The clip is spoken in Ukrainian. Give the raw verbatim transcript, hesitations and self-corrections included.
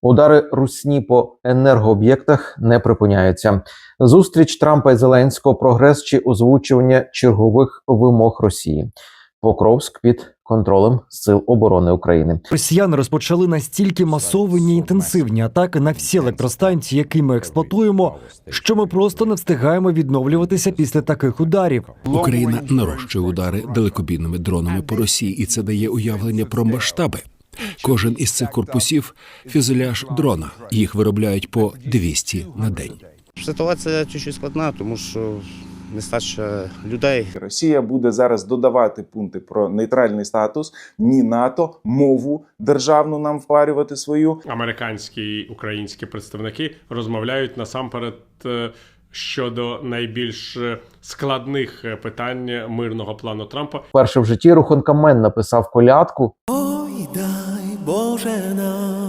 Удари русні по енергооб'єктах не припиняються. Зустріч Трампа і Зеленського, прогрес чи озвучування чергових вимог Росії. Покровськ під контролем Сил оборони України. Росіяни розпочали настільки масовані і інтенсивні атаки на всі електростанції, які ми експлуатуємо, що ми просто не встигаємо відновлюватися після таких ударів. Україна нарощує удари далекобійними дронами по Росії, і це дає уявлення про масштаби. Кожен із цих корпусів – фюзеляж дрона. Їх виробляють по двісті на день. Ситуація чуть-чуть складна, тому що нестача людей. Росія буде зараз додавати пункти про нейтральний статус, ні НАТО, мову державну нам впарювати свою. Американські і українські представники розмовляють насамперед щодо найбільш складних питань мирного плану Трампа. Вперше в житті Рухункамен написав колядку. Ой, дай Боже нам